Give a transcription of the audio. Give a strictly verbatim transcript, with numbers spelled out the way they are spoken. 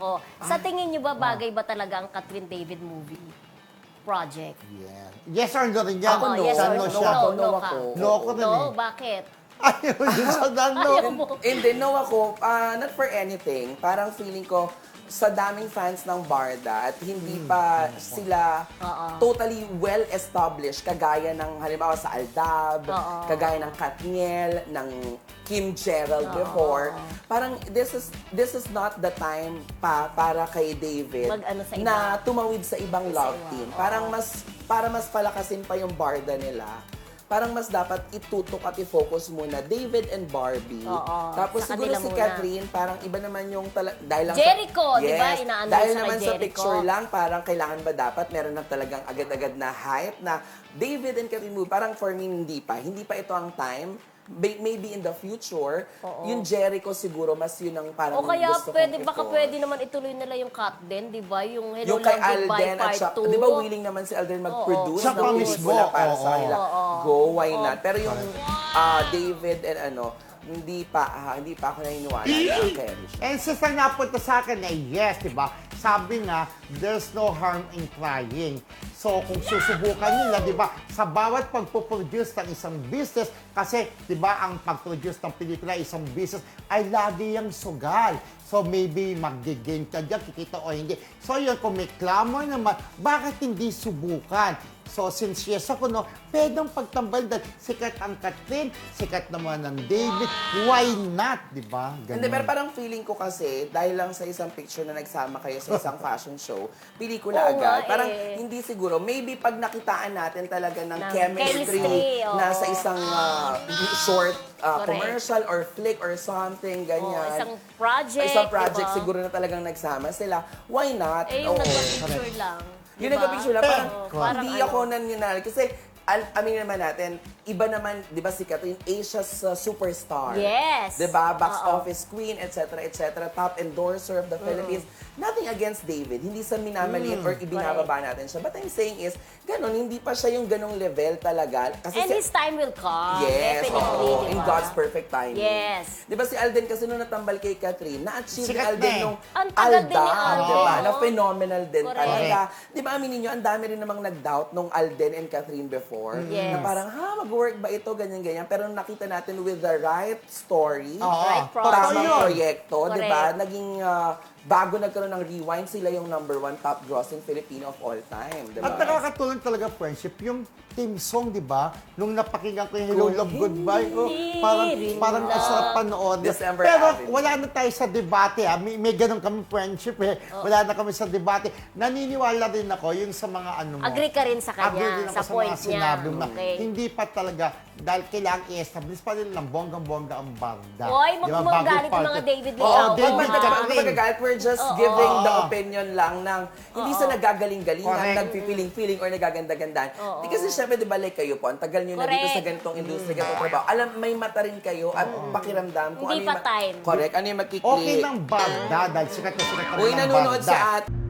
ako. Sa tingin niyo ba, bagay ba talaga ang Catherine David movie project? Yeah. Yes or no rin yan? Ako, no. yes Sa or no no? siya. No, No no ako. ka. No ako rin No, eh. bakit? Ayaw din sa dano. Ayaw mo. Hindi, no ako. ah, not for anything. Parang feeling ko, sa daming fans ng Barda at hindi pa sila Oo. totally well-established, kagaya ng halimbawa sa Aldab, Oo. kagaya ng Katniel, ng Kim Gerald before. Parang this is this is not the time pa para kay David Mag-ano sa iba. na tumawid sa ibang love iba. team. Oo. Parang mas para mas palakasin pa yung Barda nila. Parang mas dapat itutok at i-focus muna David and Barbie. Oo, Tapos sa siguro kanila si muna. Catherine, parang iba naman yung tala- dahil lang Jericho, sa, di ba? Yes, Inaano dahil sa kay naman sa Jericho. picture lang, parang kailangan ba dapat meron na talagang agad-agad na hype na David and Catherine movie. Parang for me, hindi pa. Hindi pa ito ang time. May- Maybe in the future, Oo. yung Jericho siguro, mas yun ang parang O kaya gusto pwede, kong baka i-force. pwede naman ituloy nila yung cut din, di ba? Yung Hello Yung kay Lang Goodbye Alden at Part saka, two. di ba willing naman si Alden mag-produce Siya ng pa pelikula mismo, para oo. sa kanila. Oo. Go, why not? Pero yung ah, David and ano, hindi pa, ah, hindi pa ako naniniwala na carry siya. And since ang napunta sa akin ay yes, di ba? Sabi nga, there's no harm in trying. So, kung susubukan nila, di ba, sa bawat pagpuproduce ng isang business, kasi, di ba, ang pag-produce ng pelikula, isang business, ay lagi yung sugal. So, maybe mag-gain ka dyan, kikita o hindi. So, yun, kung may clamor naman, bakit hindi subukan? So, since yes ako, no, pwedeng pagtambal dahil sikat ang Catherine, sikat naman ang David, why not, di ba? Ganun. Hindi, pero parang feeling ko kasi, dahil lang sa isang picture na nagsama kayo sa isang fashion show, pelikula Oo nga agad, parang eh. hindi siguro, maybe pag nakitaan natin talaga ng Ng chemistry, chemistry, oo. na sa isang ah, short ah, Correct. commercial or flick or something, ganyan. Oo, isang project, Isang project diba? siguro na talagang nagsama sila. Why not? Eh, yung Oo. nagpa-picture lang. Yung diba? nagpa-picture lang, parang Oo, parang hindi ano. ako naninali. Kasi, al amin naman natin, iba naman, di ba si Catherine, Asia's uh, superstar. Yes. Di ba? Box Oo. office queen, et cetera, et cetera. Top endorser of the Philippines. Nothing against David. Hindi sa minamaliit or ibinababa natin siya. But I'm saying is, ganun, hindi pa siya yung ganong level talaga. Kasi And si- his time will come. Yes, Definitely, oo. diba? In God's perfect timing. Yes. Di ba si Alden kasi nung natambal kay Catherine, na-achieve ni Sikat Alden na eh. nung Ang tagal din ni Aldab, Alden, di ba? no? Na phenomenal din Correct. talaga. Di ba, aminin nyo, ang dami rin namang nag-doubt nung Alden and Catherine before. Yes. Na parang, ha, mag-work ba ito, ganyan-ganyan. Pero nung nakita natin with the right story, Oo. Right Totoo project. tamang yun. proyekto, di ba? Correct. Naging, ah, bago nagkaroon ng Rewind, sila yung number one top grossing Filipino of all time, di ba? At nakakatulong talaga friendship, yung team song, di ba? Nung napakinggan ko yung Hello, Kung Love, Goodbye, oh, hindi parang, rin parang lang. masarap panood. December Pero Avenue. wala na tayo sa debate, ha? May, may ganun kami friendship, eh. Wala na kami sa debate. Naniniwala rin ako yung sa mga ano mo. Agree ka rin sa Agree kanya, din ako sa, sa point mga niya. sinabi mo na Okay. hindi pa talaga, dahil kailangan i-establish pa rin ng bonggang-bongga ang Barda. Hoy, Di ba? magagalit Bago yung mga part- David Oo, Leao. David Wag Leao. mag- Kapag magagalit, we're just Oo. giving the Oo. opinion lang ng hindi sa nagagaling-galingan, Correct. nagpipiling-piling or nagaganda-gandaan. Oo. Di kasi syempre, di ba, like kayo po, ang tagal nyo na dito Correct. sa ganitong industry, ganitong trabaho. Alam, may mata rin kayo at pakiramdam kung Hindi ano yung pa time. Correct, ano yung makiklik. Okay ng Barda, dahil sikat na sikat na Uy, ng nanonood Barda. sa at